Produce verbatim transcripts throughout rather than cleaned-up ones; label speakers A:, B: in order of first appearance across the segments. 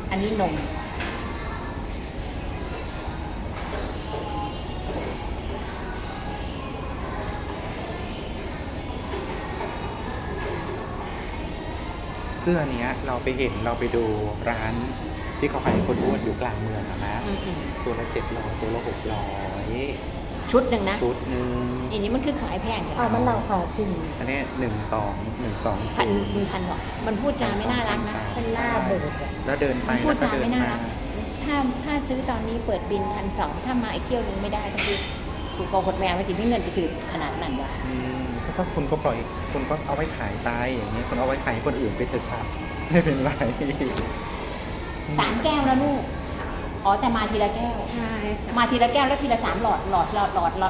A: อันนี้นม
B: เสื้อเนี้ยเราไปเห็นเราไปดูร้านที่เขาขายคนอ้วนอยู่กลางเมืองอะนะ
A: อืมอืม
B: ตัวละเจ็ดร้อยตัวละหกร้อย
A: ชุดหนึ่งนะ
B: ชุดหนึ่ง
A: อันนี้มันคือขายแพงกัน
C: เอามันเราขายจริง
B: อันนี้หนึ่งสองหนึ่งสอง
A: พัน
B: ศูนย์
A: พันหรอกมันพูดจาไม่น่ารักนะ
C: เป็นหน้าโบสถ์อะ
B: แล้วเดินไป
A: พู
B: แล้
A: ด
B: วก็
A: จา
B: เดิน
A: ไม่น่า
B: มา
A: รักถ้าถ้าซื้อตอนนี้เปิดบินพันสองถ้ามาอีกเที่ยวนึงไม่ได้ต้องคือถูกโกงกดแมวมันจะไม่เงินไปซื้อขนาดนั้นวะ
B: อืมถ้าคุณก็ปล่อยคุณก็เอาไว้ขายตายอย่างเงี้ยคุณเอาไว้ขายคนอื่นไปเถอะครับไม่เป็นไร
A: สามแก้วแล้วลูกอ๋อแต่มาทีละแก้ว
C: ใช่ค่ะ
A: มาทีละแก้วแล้วทีละสามหลอดหลอดหลอดหลอดหลอด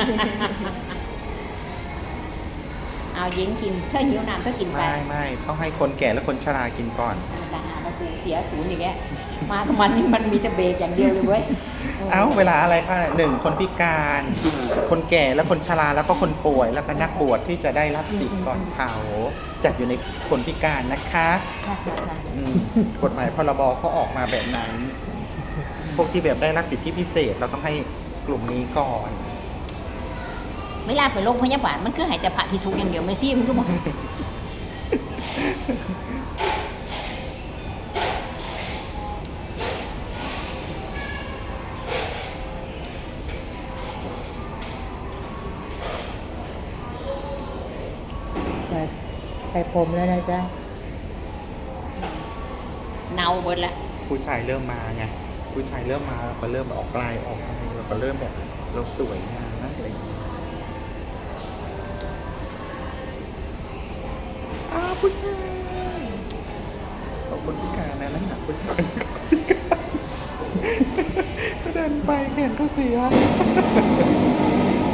A: เอาเย็นกินเพื่อหิวน้ำเพื่อกินไป
B: ไม่ไม่ต้องให้คนแก่และคนชรากินก่อน
A: แต่หาเรากูเสียศูนย์อย่างเงี้ยมากับมันนี่มันมีแต่เบรกอย่างเดียวเลยเว้ย
B: เอ้าเวลาอะไรคะหนึ่งคนพิการ คนแก่และคนชราแล้วก็คนป่วยแล้วก็นักบวชที่จะได้รับสิทธิ์ก่อนเขาจัดอยู่ในคนพิการนะคะ
A: ค่ะค่ะค่ะ
B: อืมกฎหมายพรบเขาออกมาแบบนั้น พวกที่แบบได้รับสิทธิพิเศษเราต้องให้กลุ่มนี้ก่อน
A: เวลาไปโรงพยาบาลมันคือใหายแต่ผ่าพิสุกอย่างเดียวไม่ซี่มันก็บอก
C: แต่ไปผมแล้วนะจ๊ะ
A: เนาเบิดละ
B: ผู้ชายเริ่มมาไงผู้ชายเริ่มมาเราก็เริ่มออกลายออกอะไรเราก็เริ่มแบบเราสวยงามนะอะไรอย่างเงี้ยอ้าวผู้ชายขอบคนพิการนะนั่นหนักผู้ชายคนพิการก็เดินไปแขนก็เสีย